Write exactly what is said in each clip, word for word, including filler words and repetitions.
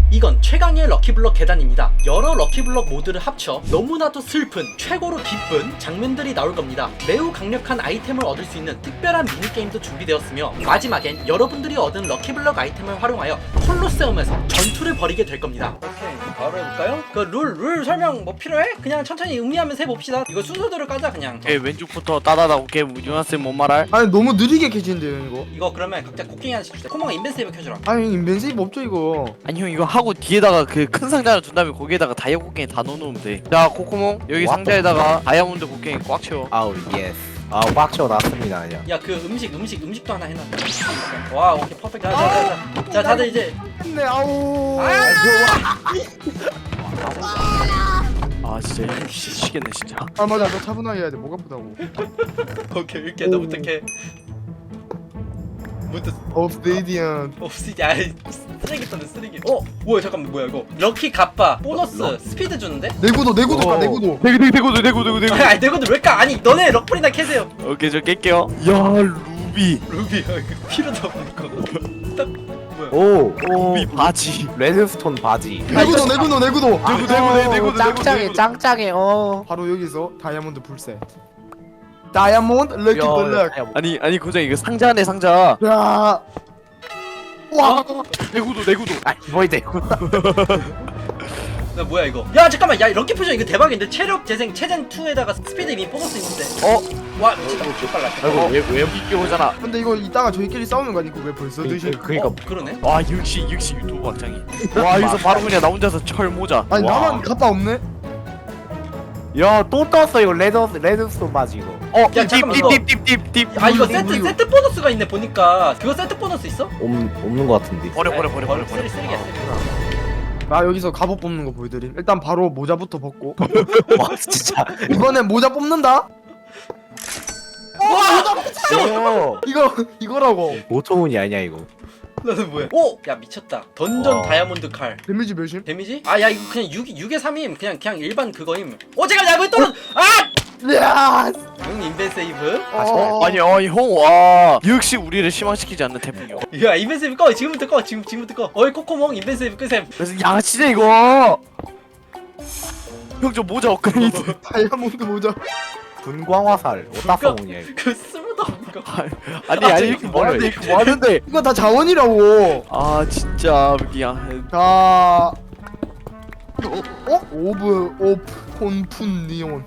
이건 최강의 럭키블럭 계단입니다. 여러 럭키블럭 모드를 합쳐 너무나도 슬픈 최고로 기쁜 장면들이 나올 겁니다. 매우 강력한 아이템을 얻을 수 있는 특별한 미니게임도 준비되었으며 마지막엔 여러분들이 얻은 럭키블럭 아이템을 활용하여 콜로세움에서 전투를 벌이게 될 겁니다. 오케이, 바로 해볼까요? 그 룰 룰 설명 뭐 필요해? 그냥 천천히 음미하면서 해봅시다. 이거 순서대로 까자 그냥. 오케이, 왼쪽부터 따다다. 오케이, 유나쌤 뭔 말할? 아니 너무 느리게 켜지는데요 이거. 이거 그러면 각자 곡괭이 하나씩 주자. 코몽아 인벤세이브 켜주라. 아니 인벤세이브 없죠 이거. 아니 형, 이거 하고 뒤에다가 그 큰 상자를 둔 다음에 거기에다가 다이아 곡괭이 다 넣어놓으면 돼. 자, 코코몽 여기 와. 상자에다가 다이아몬드 곡괭이 꽉 채워. 아우 예스. 아우 빡쳐 났습니다 그냥. 야 그 음식 음식 음식도 하나 해놔. 와 오케이 퍼펙트. 자자자 자, 자, 다들 이제 네 아우. 아 진짜 형 미치겠네 진짜. 아 맞아 너 차분하게 해야 돼. 목 아프다고. 오케이 이렇게 너부터 해. 뭐또 업데이디언. 없지? 아 쓰레기 떴네 쓰레기. 어 뭐야 잠깐만 뭐야 이거 럭키 갑바 보너스 스피드 주는데? 내구도 내구도 까 내구도. 대구 대구 대구 대구 대구 대구. 아니 내건들 왜 까? 아니 너네 럭플이나 캐세요. 오케이, 저 깰게요. 야, 루비. 루비 아, 이거 필요도 없는 거. 딱 뭐야? 오. 루비 바지. 레드스톤 바지. 내구도 내구도 내구도. 대구 대구 대구 대구 짱짱해 짱짱해. 어. 바로 여기서 다이아몬드 풀셋. 다이아몬드 럭키 블럭. 아니 아니 고장 이거 상자 안에 상자. 야. 와. 내구도 내구도. 아 뭐이 내구. 야 뭐야 이거? 야 잠깐만 야 럭키 퓨전 이거 대박인데 체력 재생 체젠 이에다가 스피드 이미 보너스 있는데. 어? 와 미쳤다. 개 빨라. 아이고 왜 이게 오잖아. 근데 이거 이따가 저희끼리 싸우는 거 아니고 왜 벌써 드시? 그니까 어 그러네. 와 역시 역시 유튜브 박장이. 와 여기서 바로 그냥 나 혼자서 철 모자. 아니 와. 나만 갑바 없네? 야또 떴어 이거 레드 레드스톤 바지 이거. 어, 야, 잠깐만, 이거- 딥딥딥딥딥. 아 이거 이거, 세트 이거. 세트 보너스가 있네 보니까. 그거 세트 보너스 있어? 없 없는 거 같은데. 버려 버려 버려 버려 버려. 쓰레기 쓰레기야 쓰레기. 나 여기서 갑옷 뽑는 거 보여드림. 일단 바로 모자부터 벗고. 와 진짜. 이번엔 모자 뽑는다. 오. 이거 이거라고. 오천 원이 아니야 이거. 나는 뭐야? 오! 야 미쳤다. 던전 와. 다이아몬드 칼. 데미지 몇임? 데미지? 아 야 이거 그냥 육 육에 삼임. 그냥 그냥 일반 그거임. 어 잠깐 야 이거 떨어. 아! 야. 응 인벤 세이브. 어. 아니 아니 형와 역시 우리를 실망시키지 않는 태풍이요. 야 인벤 세이브 꺼. 지금부터 꺼. 지금 지금부터 꺼. 어이 코코몽 인벤 세이브 끄셈. 그래서 양아치네 이거. 형 저 모자 업그레이드. 다이아몬드 모자. 분광화살 오따성이야 이거. 그 쓸모도 없는 거. 아니 아니 이렇게 뭐하는데 이렇게 뭐하는데. 이거 다 자원이라고. 아 진짜 그냥. 자. 어? 오브 오프 폰푼 니온.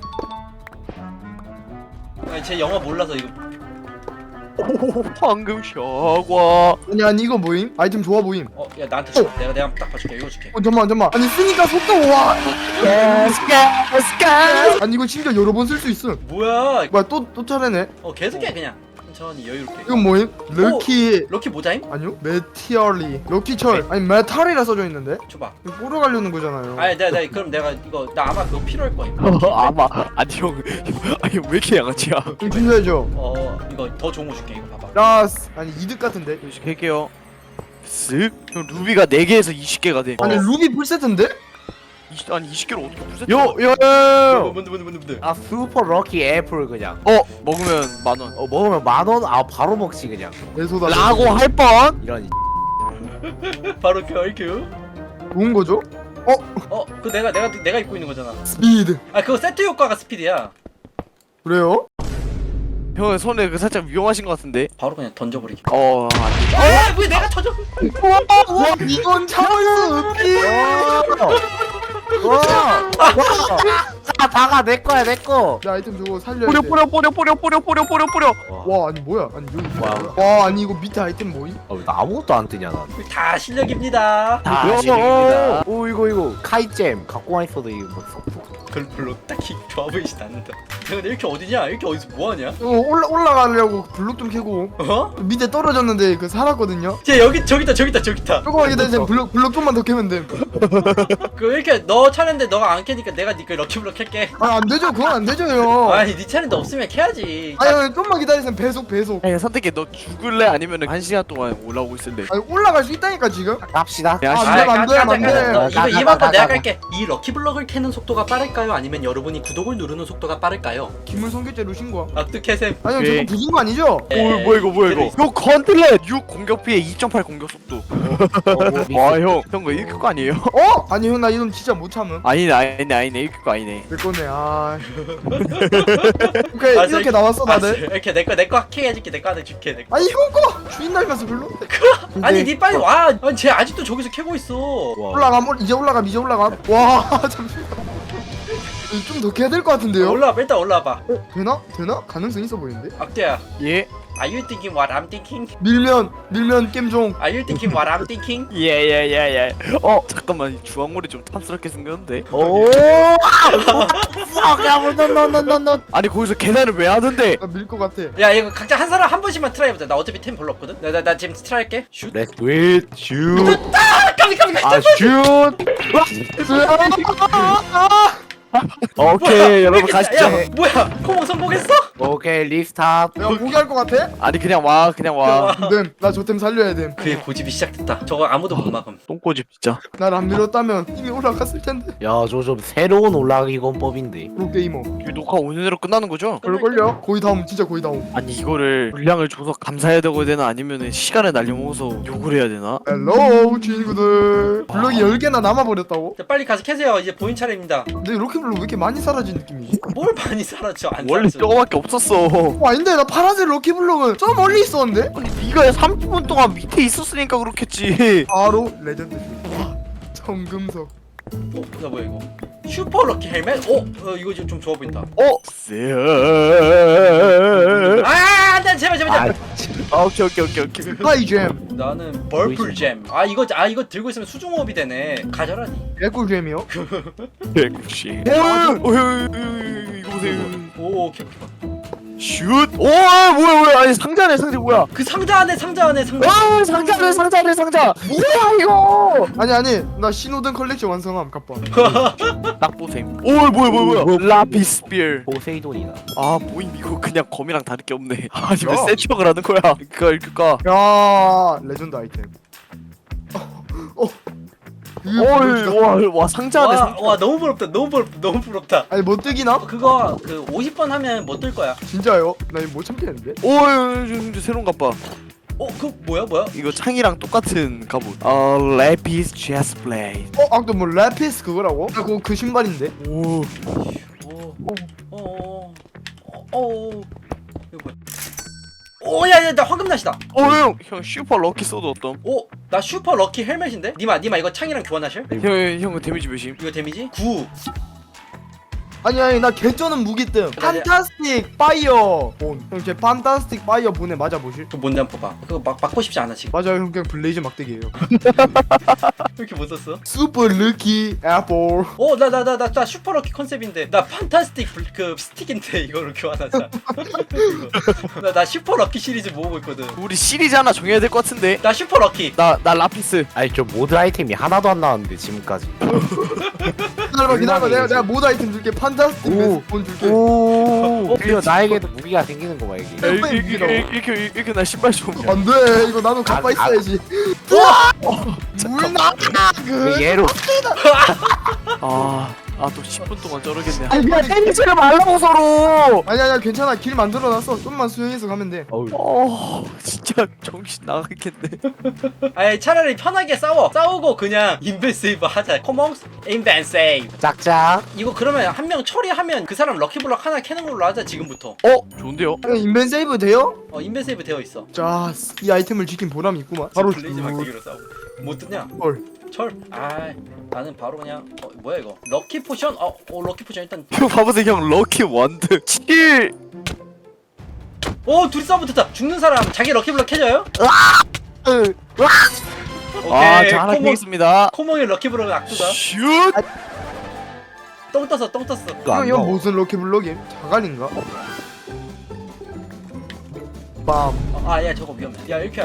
아니 제 영어 몰라서 이거. 오 방금 샤과. 아니 아니 이거 뭐임? 아이템 좋아 보임. 어 야 나한테 줘. 내가 내가 딱 봐줄게. 이거 줄게. 어 잠만 잠만. 아니 쓰니까 속도 와. 스카 스카. 아니 이거 심지어 여러 번 쓸 수 있음. 뭐야? 뭐야 또 또 차례네. 어 계속해 그냥. 천천히 여유롭게. 이건 뭐임? 럭키 럭키 모자임? 아니요? 메티얼리 럭키 철 아니 메탈이라 써져 있는데? 줘봐. 이거 보러 가려는 거잖아요. 아니 내가 내가 그럼 내가 이거 나 아마 그거 필요할 거임. 아마 아니 형 아니 왜 이렇게 양아치야. 좀 준비해줘. 어 이거 더 좋은 거 줄게. 이거 봐봐. 라스 아니 이득 같은데? 할게요. 쓱. 형 루비가 네 개에서 이십 개가 돼. 아니 루비 풀세트인데? 이십, 아니 이십 개를 어떻게 풀세트? 요요. 뭔데 뭔데 뭔데 뭔데. 아 슈퍼 럭키 애플 그냥. 어 먹으면 만 원. 어 먹으면 만 원. 아 바로 먹지 그냥. 내 소다. 라고 할 뻔. 이런. 바로 큐. 좋은 거죠? 어, 그 내가 내가 내가 입고 있는 거잖아. 스피드. 아, 그거 세트 효과가 스피드야. 그래요? 형 손에 그 살짝 위험하신 것 같은데. 바로 그냥 던져버리기. 어 안돼. 아, 왜 내가 터져? 와 이건 참을 수 없지. 와. 다 다가 내 거야 내 거. 내 아이템 저거 살려야 뿌려 돼. 뿌려 뿌려 뿌려 뿌려 뿌려 뿌려 뿌려. 와 아니 뭐야? 아니 여기 와. 뭐야? 와 아니 이거 밑에 아이템 뭐임? 어, 나 아무것도 안 뜨냐 나. 다 실력입니다. 다 야, 실력입니다. 오 이거 이거 카이잼 갖고 와 있어도 이거 뭐 쏙- 별 별로 딱히 좋아 보이진 않는다. 야, 근데 이렇게 어디냐? 이렇게 어디서 뭐 하냐? 어 올라 올라가려고 블록 좀 캐고 어? 밑에 떨어졌는데 그 살았거든요. 쟤 여기 저기 있다 저기 있다 저기 있다. 조금만 기다리세요. 블록 블록 좀만 더 캐면 돼. 그 이렇게 너 차례인데 너가 안 캐니까 내가 니그 럭키블럭 캘게. 아 안 되죠. 그건 안 되죠 형. 아니 네 차례인데 없으면 캐야지. 아니 아니, 좀만 기다리세요. 배속 배속. 아니 선택해. 너 죽을래 아니면 한 시간 동안 올라오고 있을래? 아니 올라갈 수 있다니까 지금. 갑시다. 야, 아, 씨. 안 돼, 안 돼, 가자, 안 돼. 가자. 너 가, 이거 가, 이번 가, 건 내가 가, 깔게. 이 럭키블럭을 캐는 속도가 빠를까요? 아니면 여러분이 구독을 누르는 속도가 빠를까요? 달라요. 기물 성격죄로 신고함. 악득해셈. 아니 형 오케이. 저거 부순 거 아니죠? 오 뭐야 이거 뭐야 이거 이거 건틀렛 육 공격 피해 이 점 팔 공격 속도 와형형 이거 이렇게 거 아니에요? 어? 아니 형 나 이놈 진짜 못 참음. 아니네 아니네 아니네 이렇게 거 아니네 내 거네. 아. 오케이 아, 이렇게 저- 나왔어 아, 다들. 이렇게 내거 내 거 하게 해줄게. 내 거 하나 줄게. 내 거. 아니 형 거 주인 닮아서 별로. 아니 니 빨리 와. 아니 쟤 아직도 저기서 캐고 있어. 올라감 올- 이제 올라감 이제 올라감. 와 잠시만. 좀 더 캐야 될 것 같은데요? 올라와 일단 올라와봐. 어, 되나? 되나? 가능성 있어 보이는데? 악재야. 예? Are you thinking what I'm thinking? 밀면 밀면 겜종. Are you thinking what I'm thinking? 예예예예 어 잠깐만 이 주황물이 좀 탐스럽게 생겼는데 오. 야너너너너너 아니 거기서 계단을 왜 하던데 나 밀 것 같아. 야 이거 각자 한 사람 한 번씩만 트라이 해보자. 나 어차피 템 별로 없거든. 나 나 나 지금 트라이 할게. 슛. Let's do it. Shoot. 아 깜짝이야 깜짝이야. 아 shoot. 오케이 여러분 야, 가시죠 야, 뭐야? 코몽 성공했어? 오케이 리스타트. 야 포기할 것 같아? 아니 그냥 와 그냥 와 됨. 나 저 템 살려야 됨. 그의 고집이 시작됐다. 저거 아무도 못 막음. 똥꼬집 진짜 날 안 밀었다면 이미 올라갔을 텐데. 야저 좀 새로운 올라가기 권법인데. 프로게이머. 이 녹화 오늘내로 끝나는 거죠? 그럴걸요? 거의 다음 진짜 거의 다음. 아니 이거를 분량을 줘서 감사해야 되고 되나 아니면은 시간을 날려먹어서 욕을 해야 되나? 헬로 친구들. 블럭이 열 개나 남아버렸다고? 자, 빨리 가서 캐세요. 이제 본인 차례입니다. 근데 이렇게 블럭 왜 이렇게 많이 사라진 느낌이지? 뭘 많이 사라져? 안 원래 사라져. 저거밖에 없었어 어 아닌데 나 파란색 럭키블럭은 저 멀리 있었는데? 아니 네가 삼십 분 동안 밑에 있었으니까 그렇겠지 바로 레전드 와 정금석. 어, 나 뭐야 이거? 슈퍼 럭키 헬멧? 어, 어 이거 좀, 좀 좋아 보인다. 어? 쎄 아, 안돼 제발 제발 아 제발. 아, 오케이 오케이 오케이 오케이 하이잼. 나는 벌풀 잼. 아 이거 아 이거 들고 있으면 수중호흡이 되네. 가져라니. 개꿀잼이요? 백구씨 오 이거 보세요 오, 오케이 오케이. 슛! 오 뭐야 뭐야 아니 상자네 상자 뭐야 그 상자 안에 상자 안에 상자. 아 상자네 상자네 상자 뭐야 이거 아니 아니 나 신호등 컬렉션 완성함 갑바. 딱 보셈 오 뭐야 뭐야 뭐야 뭐, 라피스피어 포세이돈이다. 아 모임 이거 그냥 검이랑 다를 게 없네 아니 왜 야. 세척을 하는 거야 그니까 이럴까 야 레전드 아이템. 어. 어. 이게 뭐지? 어이 와, 와 상자 안에 와, 상자 와 너무 부럽다. 너무 부럽다. 너무 부럽다. 아니 못 뜨기나? 그거 그 오십 번 하면 못 뜰 거야. 진짜요? 나 이거 못 참겠는데? 오이 새로운 갑바 어, 그 뭐야 뭐야? 이거 창이랑 똑같은 갑옷 어 레피스 체스 플레이트 어? 아까 뭐 라피스 그거라고? 아 그거 그 신발인데? 오 오, 오, 오, 오, 오, 이거 뭐야? 오, 야, 야, 나 황금 낫이다. 어형 형 슈퍼 럭키 소드 어떤? 오, 나 슈퍼 럭키 헬멧인데? 니마, 니마 이거 창이랑 교환하실? 형, 형 데미지 몇임? 이거 데미지? 구. 아니 아니 나 개쩌는 무기뜸 판타스틱 파이어 본. 형 제 판타스틱 파이어 본에 맞아보실? 그 뭔데 한번 봐봐. 그거 막 맞고 싶지 않아 지금. 맞아요 형 그냥 블레이즈 막대기예요. 왜 이렇게 못 썼어? 슈퍼 르키 애플. 오, 나, 나, 나, 나, 나 슈퍼 럭키 컨셉인데. 나 판타스틱 불, 그 스틱인데 이거로 교환하자. 이거. 나, 나 슈퍼 럭키 시리즈 모으고 있거든. 우리 시리즈 하나 정해야 될 것 같은데 나 슈퍼 럭키. 나, 나 라피스 아니 저 모드 아이템이 하나도 안 나왔는데 지금까지. 기다려봐 기다려봐 내가 내가 모드 아이템 줄게. 판타스틱 오. 베스트 본 줄게. 오. 드디어 나에게도 무기가 생기는 거봐 이게. 야, 이렇게, 이렇게, 이렇게, 이렇게, 이렇게 나 신발 좀 안돼 이거 나도 가빠 아, 있어야지. 물나 그. 얘로. 아, 아, 또 십 분 동안 저러겠네. 아니 그냥 때리지를 말라고 서로! 아니 아니야 괜찮아 길 만들어놨어. 좀만 수영해서 가면 돼. 어우. 어, 진짜 정신 나가겠네. 아니 차라리 편하게 싸워. 싸우고 그냥 인벤 세이브 하자. 코몽스 인벤 세이브. 짝짝. 이거 그러면 한 명 처리하면 그 사람 럭키블럭 하나 캐는 걸로 하자 지금부터. 어, 좋은데요? 형 인벤 세이브 돼요? 어 인벤 세이브 되어 있어. 자 이 아이템을 지킨 보람이 있구만. 바로 블레이즈 막대기로 싸우고. 뭐 뜨냐? 헐. 철. 아 나는 바로 그냥 어 뭐야 이거? 럭키 포션? 어, 어 럭키 포션 일단. 형 봐보세요, 형. 럭키 원드. 칠! 오 둘이 싸움부터 죽는 사람 자기 럭키블럭 캐져요? 으. 오케이. 아, 자, 하나 코몽 캐겠습니다. 코몽의 럭키블럭은 악두다. 슛! 똥 떴어 똥 떴어. 형 이건 무슨 럭키 블럭임? 자갈인가? 빰. 아야 저거 위험해. 야 이렇게.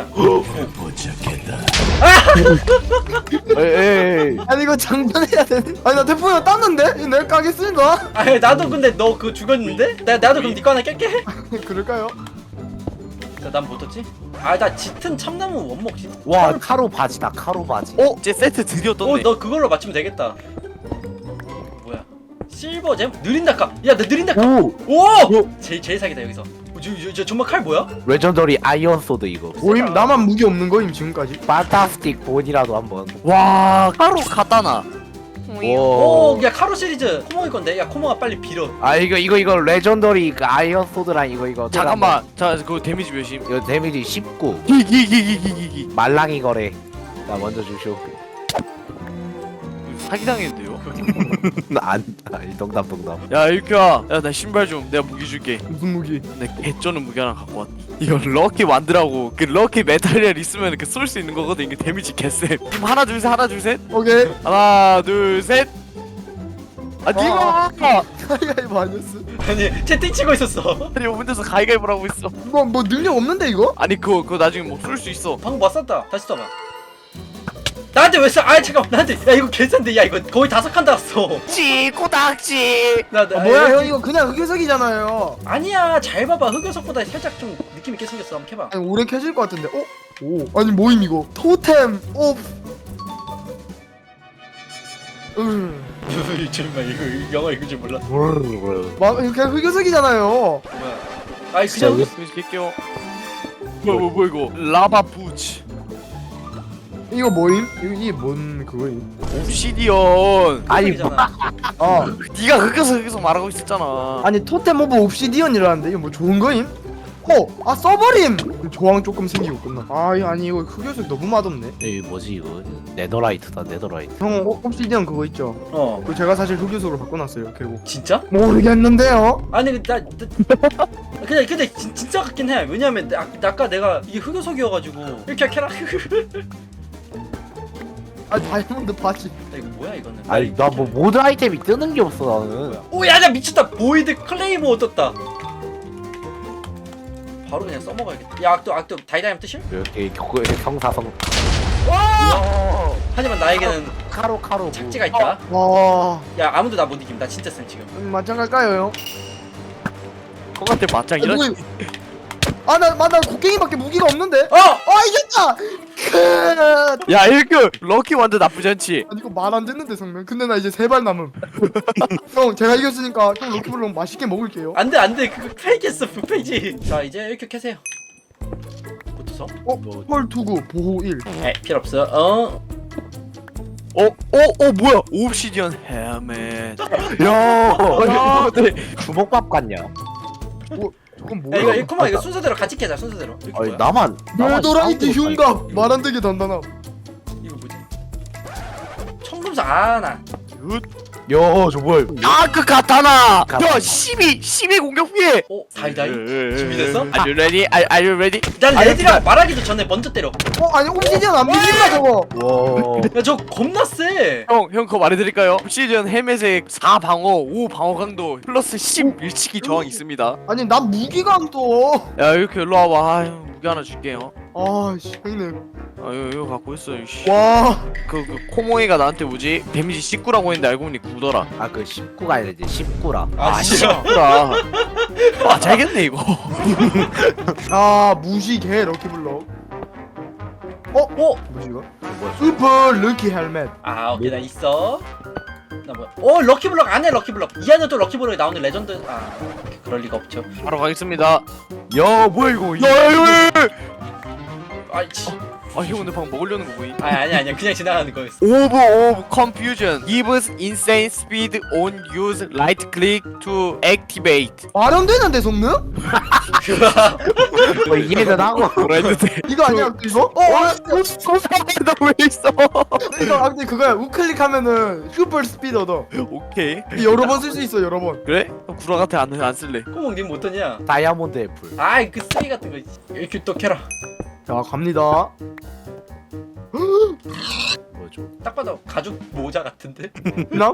에이, 아니 이거 장전해야 되는. 아니 나 태풍이 땄는데? 이거 내가 까겠습니다. 아 나도 근데 너 그거 죽었는데? 나 나도 그럼 니거 하나 깰게. 그럴까요? 난 못 떴지? 아 나 짙은 참나무 원목 짙. 와 카로 바지다 카로 바지. 어, 이제 세트 드디어 떴네. 어너 그걸로 맞추면 되겠다. 뭐야? 실버잼? 느린 닭값. 야, 나 느린 닭값. 오 오! 제일 제일 사기다 여기서. 어, 저, 저, 저 정말 칼 뭐야? 레전더리 아이언 소드 이거 모임 나만 무기 없는 거임 지금까지. 판타스틱 본이라도 한번. 와 카로 가다나. 오, 오. 야 카로 시리즈 코몽이 건데. 야 코몽아 빨리 빌어. 아 이거 이거 이거 레전더리 그 아이언 소드랑 이거 이거 잠깐만. 자 그거 데미지 몇임? 이거 데미지 십구. 기기기기기기. 말랑이 거래. 나 먼저 주쇼. 사기당했는데요? 안 아니 동담 동담. 야 일규야, 야 나 신발 좀 내가 무기 줄게. 무슨 무기? 내 개쩌는 무기 하나 갖고 왔. 이거 럭키 완드라고. 그 럭키 메탈리얼 있으면 그 쏠 수 있는 거거든. 이게 데미지 개쎄. 지금 하나 둘 셋 하나 둘 셋. 오케이. 하나 둘 셋. 아 니가 가위가위보 아니었어? 아니 채팅 치고 있었어. 아니 혼자서 가위가위보를 하고 있어. 이거 뭐 능력 없는데 이거? 아니 그거 그거 나중에 뭐 쏠 수 있어. 방금 못 쐈다. 다시 쏴봐. 나한테 왜 쏴? 아 잠깐 나한테. 야 이거 개싼데. 야 이거 거의 다섯 칸 달았어. 찌 꼬닥지. 나, 나 아, 뭐야 형 이거 그냥 흑요석이잖아요. 아니야 잘 봐봐. 흑요석보다 살짝 좀 느낌 있게 생겼어. 한번 해봐. 아니 오래 켜질 것 같은데. 어? 오. 아니 뭐임 이거? 토템 오프. 음. 정말 이거 영어 읽을 줄 몰라. 막 그냥 흑요석이잖아요. 뭐야? 아이 그냥 그래서 깰게요. 뭐야 뭐, 뭐 이거 라바 부츠 이거 뭐임? 이거 이게 뭔 그거임? 옵시디언. 아니 흑요석이잖아. 아 네가 흑여서 흑여서 말하고 있었잖아. 아니 토템 오브 옵시디언이라는데 이거 뭐 좋은 거임? 어! 아 써버림! 조항 조금 생기고 끝나. 아 이거 아니 이거 흑요석 너무 맛없네. 이 뭐지 이거 네더라이트다 네더라이트. 형 어, 옵시디언 그거 있죠? 어 그 제가 사실 흑요석으로 바꿔놨어요 결국. 진짜? 모르겠는데요? 아니 그, 나, 나 그냥 근데 진, 진짜 같긴 해. 왜냐면 나, 아까 내가 이게 흑요석이어가지고 이렇게 캐라. 야, 아 다이아몬드 바지. 이거 뭐야 이거는? 아니 나 뭐 모드 아이템이 뜨는 게 없어 나는. 오야 나 미쳤다. 보이드 클레이모 떴다. 바로 그냥 써먹어야겠다. 야 악도 악도 다이다임 뜨실? 이렇게 그 성사성. 하지만 나에게는 카로 카로 뭐. 착지가 있다. 와. 야 아무도 나 못 이김. 나 진짜 쌤 지금. 음, 맞짱 갈까요 형? 형한테 맞짱 이런. 아나 맞나 곡괭이밖에 무기가 없는데? 어! 아 이겼다! 크. 야 일규 럭키 완드 나쁘지 않지. 아니 이거 말 안 듣는데 성명. 근데 나 이제 세 발 남음. 형 제가 이겼으니까 형 럭키블럭 맛있게 먹을게요. 안돼 안돼 그거 페이크했어 페이지. 자 이제 이렇게 캐세요. 붙어서. 어? 펄 투구 보호 일. 에 필요 없어. 어. 어? 어? 어 뭐야? 옵시디언 헬멧. 야 아, 네. 주먹밥 같냐? 어? 저건 야 뭐야? 이거 이거 이거 순서대로 같이 캐자 순서대로. 이거 아니 뭐야? 나만 나만 네더라이트 쌍으로 흉갑 말 안 되게 단단함. 이거 뭐지? 청금사 아나. 야저 뭐야 아그 가타나. 가타나. 야 십이 십이 공격 피해. 어 다이다이. 준비됐어? Are you ready? Are, are you ready? 난 아니, 레디라고 말하기도 전에 먼저 때려. 어 아니 옵시디언 안 밀린다 저거. 와 야 저 겁나 세. 형, 형 그거 말해드릴까요? 옵시디언 헬멧에 사 방어, 오 방어 강도, 플러스 십 밀치기 저항 있습니다. 아니 난 무기감 또. 야 이렇게 일로 와봐. 아, 형 무기 하나 줄게요. 아씨 형님. 아 이거, 이거 갖고 있어. 씨. 와. 그, 그 코모이가 나한테 뭐지? 데미지 십구라고 했는데 알고 보니 구더라. 아그 십구가 아니라 이제 십구라. 아 싫어. 구라. 아 잘겠네 이거. 아 무시개 럭키블럭. 어? 어? 뭐지 이거? 슈퍼 럭키 헬멧. 아 오케이 나 있어. 나 뭐야? 어 럭키블럭 안해 럭키블럭. 이 안에 또 럭키블럭이 나오는 레전드. 아 그럴 리가 없죠. 바로 가겠습니다. 야 뭐야 이거? 야야야! 아이씨. 아 형 근데 방금 먹으려는 거 보이? 아 아니 아니야 그냥 지나가는 거였어. Over of confusion gives insane speed on use right click to activate. 말 안 되는데 성능? 뭐 이해는 하고. 뭐라 했는데? 이거 아니야 이거? 어? 어? 너왜 있어? 이거 아 근데 그거야 우클릭하면은 슈퍼 스피드 얻어. 오케이. 여러 번 쓸 수 있어 여러 번. 그래? 그럼 구라한테 안, 안 쓸래. 코몽님 못하냐? 다이아몬드 애플. 아이 그 쓰레기 같은 거 이렇게 또 캐라. 자 갑니다. 뭐죠? 딱 봐도 가죽 모자 같은데? 나?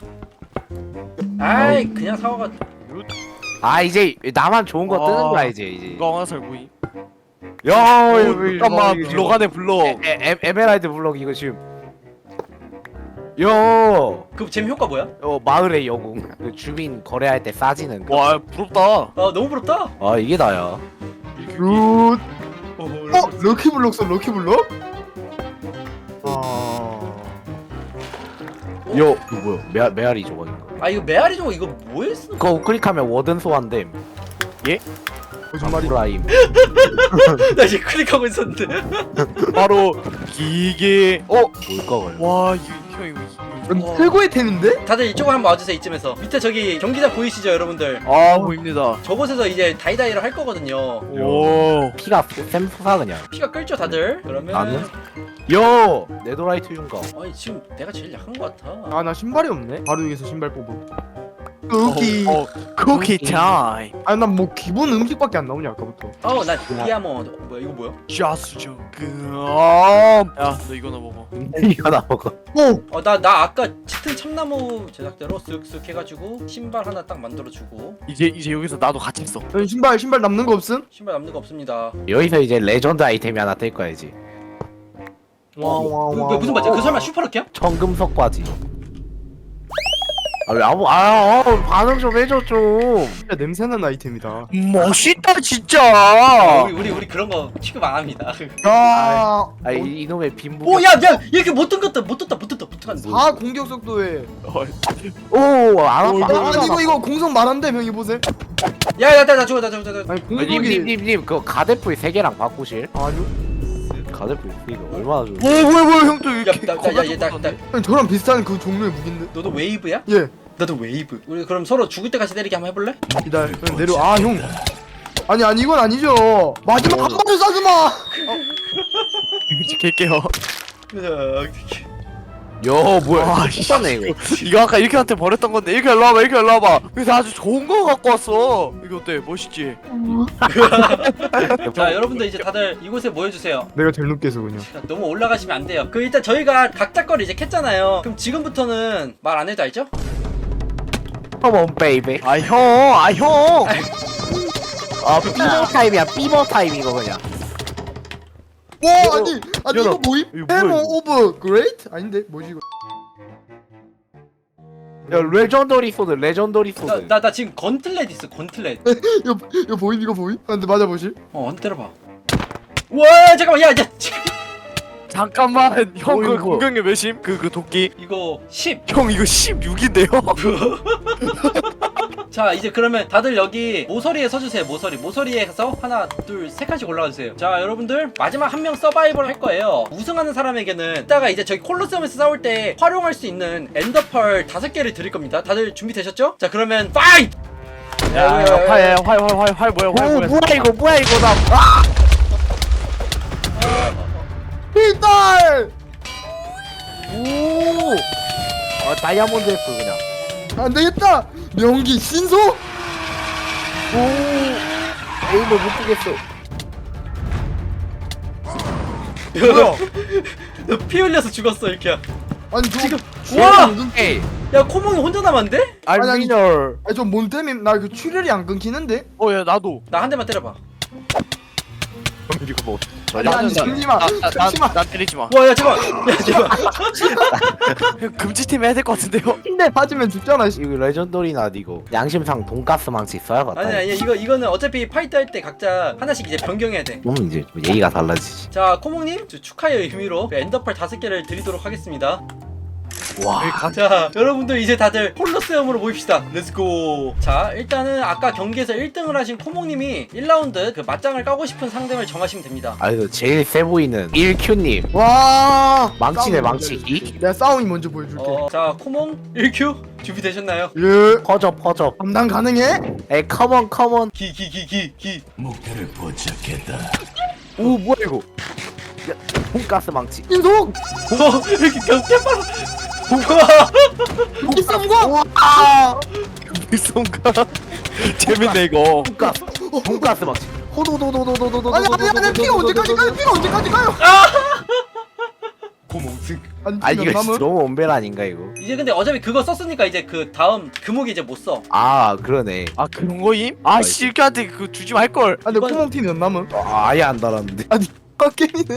아이 그냥 사와가. 아 이제 나만 좋은 거 아, 뜨는 거야 이제 이제. 이거 하나 살 보이. 야 오, 잠깐만 블럭 안에 블럭. 에, 에, 에메랄드 블럭 이거 지금. 야, 그 재미 효과 뭐야? 어 마을의 영웅. 그 주민 거래할 때 싸지는 거. 와 부럽다. 아 너무 부럽다. 아 이게 나야. 굿. 어, 어? 럭키블럭 써 럭키블럭? 아... 요 이거 뭐야? 메 메아리 조각인가? 아 이거 메아리 저거 이거 뭐에 쓰는 그거 우클릭하면 워든 소환됨. 거짓말이. 프라임. 나 지금 클릭하고 있었는데. 바로 기계. 어? 뭘까 걸? 와 이거 형 이거. 이건 어. 최고의 템인데? 다들 이쪽으로 한번 와주세요. 이쯤에서 밑에 저기 경기장 보이시죠 여러분들? 아 보입니다. 저곳에서 이제 다이다이를 할 거거든요. 오. 피가 샘솟아 그냥. 피가 끓죠 다들? 그러면 나는? 요 네도라이트 준가. 아니 지금 내가 제일 약한 것 같아. 아 나 신발이 없네. 바로 여기서 신발 뽑음. 쿠키. 어, 쿠키 타임. 아니 난 뭐 기본 음식밖에 안 나오냐 아까부터. 어우 나 디아몬드. 뭐야 이거 뭐야? 자수죠. 그럼. 야너 이거나 먹어. 이거 나 먹어. 오. 어 나 나 아까 짙은 참나무 제작대로 쓱쓱 해가지고 신발 하나 딱 만들어주고. 이제 이제 여기서 나도 같이 있어. 여기 신발 신발 남는 거 없음? 신발 남는 거 없습니다. 여기서 이제 레전드 아이템이 하나 뜰 거야 이제. 어, 그, 그 무슨 바지? 그 설마 슈퍼럭키야? 청금석 바지. 아 왜 아무 아 어, 반응 좀 해줘 좀. 진짜 냄새나는 아이템이다. 멋있다 아, 진짜. 우리 우리 우리 그런 거 취급 안 합니다. 야. 아 이, 이놈의 빈부. 오, 야, 야, 이렇게 못 뜬 것다, 못 떴다, 못 떴다, 못 떴다. 사 공격 속도에. 오안 아, 아파. 아니 이거 이거 공성 말한대 명이 보세. 야, 야, 나, 나 죽어, 나 죽어, 나 죽어. 아니 공격이. 님님님님 그 가데프이 세 개랑 바꾸실? 아니요. 가데프이 이거 얼마나 좋은? 뭐 뭐야 뭐야 형도 야, 이렇게. 나, 나, 야, 얘, 나, 나, 아니 저랑 비슷한 그 종류의 무기인데. 너도 웨이브야? 예. 나도 웨이브. 우리 그럼 서로 죽을 때까지 때리기 한번 해볼래? 기다려. 그냥 내려. 아 형. 아니 아니 이건 아니죠. 마지막 한 발을 쏴지 마. 지킬게요. 요 뭐야? 아, 똑같네 이거. 이거 아까 이렇게 한테 버렸던 건데 이렇게 일로 와봐 이렇게 일로 와봐. 그래서 아주 좋은 거 갖고 왔어. 이거 어때? 멋있지? 자, 여러분들 이제 다들 이곳에 모여주세요. 내가 제일 높게 해서 그냥. 자, 너무 올라가시면 안 돼요. 그 일단 저희가 각자 거를 이제 캤잖아요. 그럼 지금부터는 말 안 해도 알죠? 컴온 베이비. 아 형, 아 형. 아 삐버 타임이야 삐버 타임 이거 그냥. 와 이거- 아니 아니 이거- 이거 뭐임? 이거 뭐야, 해머 이거? 오브 그레이트? 아닌데 뭐지 이거? 야 레전더리 소드 레전더리 소드. 나, 나, 나 지금 건틀렛 있어, 건틀렛. 이거 이거 보임 이거 보임? 아, 근데 맞아 보실? 어, 한 대 때려봐. 와, 잠깐만, 야, 야, 지금 잠깐만 형 그 이거. 공격력 몇임? 그 그 도끼. 이거 십. 형 이거 십육인데요? 자, 이제 그러면 다들 여기 모서리에 서주세요. 모서리 모서리에서 하나 둘 세 칸씩 올라가주세요. 자, 여러분들 마지막 한 명 서바이벌 할 거예요. 우승하는 사람에게는 이따가 이제 저기 콜로세움에서 싸울 때 활용할 수 있는 엔더펄 다섯 개를 드릴 겁니다. 다들 준비되셨죠? 자, 그러면 파이트! 야활활활활 뭐야 활 오 뭐야? 뭐야 이거 뭐야 이거 나. 필달! 오. 아 다이아몬드 F 그냥. 안 되겠다. 명기 신소? 오. 에임을 못 보겠어. 뭐야? 너 피 흘려서 죽었어, 이렇게. 아니 저 지금- 출혈이 와! 안 끊... 에이. 야, 코몽이 혼자 남았는데? 아니, 아니. 알미널. 아니 저뭔 때문에 나 그 출혈이 안 끊기는데? 어야 나도. 나 한 대만 때려봐. 이거 뭐. 아니 아니 잠시만 잠시만. 나 때리지 마. 와, 야, 잠깐만. 야, 잠깐만. 형 금지팀 해야 될 것 같은데요? 힘내 맞으면 죽잖아. 씨. 이거 레전더리나 이거 양심상 돈가스 망치 써야겠다. 아니, 아니, 이거, 이거는 어차피 파이트 할 때 각자 하나씩 이제 변경해야 돼. 그러면 이제 예의가 달라지지. 자, 코몽님, 저 축하의 의미로 그 엔더펄 다섯 개를 드리도록 하겠습니다. 와. 자, 여러분들 이제 다들 콜로세움으로 모입시다. 렛츠고. 자, 일단은 아까 경기에서 일 등을 하신 코몽님이 일 라운드 그 맞짱을 까고 싶은 상대를 정하시면 됩니다. 아 이거 제일 세 보이는 일큐님. 와. 망치네 싸움이 망치. 먼저 해줄게. 내가 싸움이 먼저 보여줄게. 어, 자, 코몽 일 큐 준비되셨나요? 예. 퍼져 퍼져. 감당 가능해? 에이 컴온 컴온. 기, 기, 기, 기, 기. 오 뭐야 이거. 야 돈가스 망치. 인속. 어, 이렇게 깜짝 여기 쌈과. 와. 미성가. 재밌네 이거. 돈가스. 돈가스 망치. 호도도도도도도도. 아니 아니 아니 피가 언제까지 가요? 피가 언제까지 가요? 코몽 승. 아니 아 피몇 이거 진짜 남은? 너무 원벨 아닌가 이거. 이제 근데 어차피 그거 썼으니까 이제 그 다음 금옥이 이제 못 써. 아 그러네. 아 그런 거임? 아 실크한테 그거 주지 말 걸. 아니 이번- 코몽 피몇 남은? 아, 아예 안 달았는데. 빡게임이네.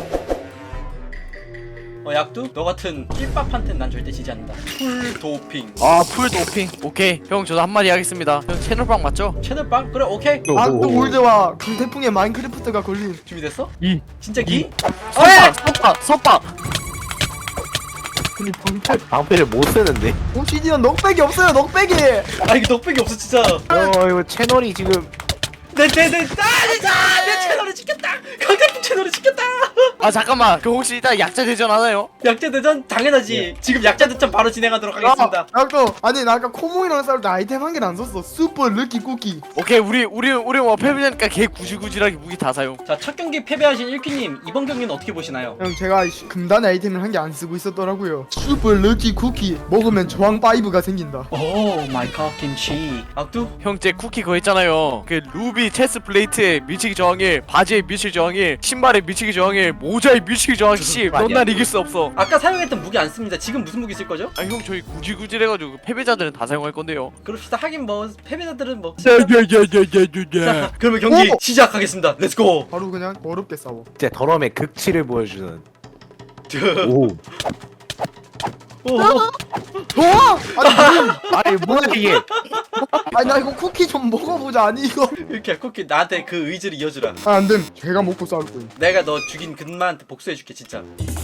어, 약두? 너 같은 낄밥한텐 난 절대 지지 않는다. 풀 도핑. 아풀 도핑. 오케이 형 저도 한마디 하겠습니다. 형 채널빵 맞죠? 채널빵? 그래, 오케이. 아또 올드와 강태풍의 마인크래프트가 걸린. 준비됐어? 이. 진짜 기? 선빵 선빵 선빵. 아니 방패 방패를 못 쓰는데. 옵시디언 넉백이 없어요 넉백이. 아 이거 넉백이 없어 진짜. 어 이거 채널이 지금 내내내 아 진짜 내 채널을 지켰다. 강대풍 채널을 지켰다. 아 잠깐만 그 혹시 이따 약자 대전 하나요? 약자 대전 당연하지. 지금 약자 대전 바로 진행하도록 하겠습니다. 나 아까 아니 나 아까 코몽이랑 싸울 때 아이템 한 개도 안 썼어. 슈퍼 르키 쿠키. 오케이 우리 우리 우리 뭐 패배자니까 개 구질구질하게 무기 다 사용. 자 첫 경기 패배하신 일키님 이번 경기는 어떻게 보시나요? 형 제가 이 금단의 아이템을 한 개 안 쓰고 있었더라고요. 슈퍼 르키 쿠키 먹으면 저항 파이브가 생긴다. 오 마이 갓 김치. 악두? 형제 쿠키 그거 있잖아요. 그 루비 체스 플레이트에 밀치기 저항일, 바지에 밀치기 저항일, 신발에 밀치기 저항일, 모자에 밀치기 저항일. 씨, 넌 날 이길 수 없어. 아까 사용했던 무기 안 씁니다. 지금 무슨 무기 쓸 거죠? 아 형 저희 구질구질해가지고 패배자들은 다 사용할 건데요. 그럽시다. 하긴 뭐 패배자들은 뭐. 야야야야야야. 자, 그러면 경기 오! 시작하겠습니다. 렛츠고. 바로 그냥 어렵게 싸워. 진짜 더러움의 극치를 보여주는. 오. 오. 좋아! 아니, 아니 뭐야 이게? 아니 나 이거 쿠키 좀 먹어보자. 아니 이거. 이렇게 쿠키 나한테 그 의지를 이어주라. 아 안됨. 제가 먹고 싸울 거야. 내가 너 죽인 근마한테 복수해줄게 진짜.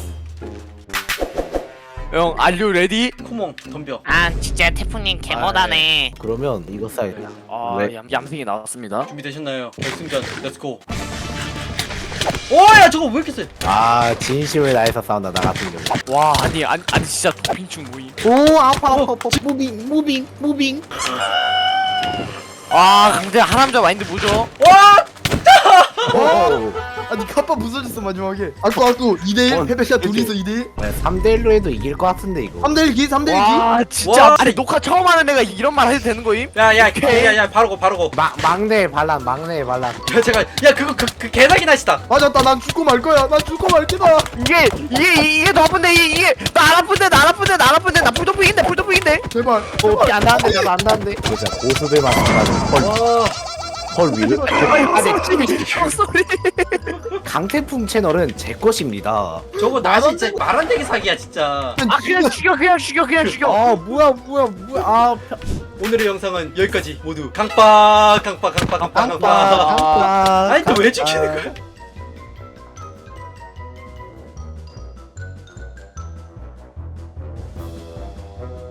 형 알류 레디? 코몽 덤벼. 아 진짜 태풍님 개못하네. 그러면 이거 써야겠다. 아 왜? 얌, 얌생이 나왔습니다. 준비되셨나요? 결승전 렛츠고. 오야 저거 왜 이렇게 세? 아 진심을 다해서 싸운다 나 같은 경우. 와 아니 아니 아니 진짜 도핑충 모임. 오 아파 아파 아파. 무빙 무빙 무빙. 아 강제 하남자 마인드 뭐죠? 와! 어. 아니 카파 부서졌어 마지막에. 아쿠 아쿠 이 대 일. 어, 패배샷 그치. 둘이서 이 대 일. 삼 대 일로 해도 이길 것 같은데 이거. 삼 대 일 기? 삼 대 일 기? 와 진짜 와. 아니 녹화 처음 하는 애가 이런 말 해도 되는 거임? 야야 야야 바로고 바로고. 막 막내 반란 막내 반란. 야 제가 야 그거 그, 그 개사기 나시다. 맞았다. 난 죽고 말 거야. 난 죽고 말 거다. 이게 이게 이- 이게 더 아픈데 이게, 이게 나 안 아픈데 나 안 아픈데 나 안 아픈데 나 풀도핑인데 풀도핑인데. 제발. 어피 안 나는데 나도 안 나는데. 이거 진짜 고수들만 생각하는 헐, 와. 헐 위로. 아니 소리. 강태풍 채널은 제 것입니다. 저거 나 진짜 말 안 되게 사기야 진짜. 아 그냥 죽여 그냥 죽여 그냥 죽여. 아 뭐야 뭐야 뭐야 아 오늘의 영상은 여기까지 모두 강빠 강빠 강빠 강빠 강빠. 깜빡 아니 또 왜 죽이는 거야?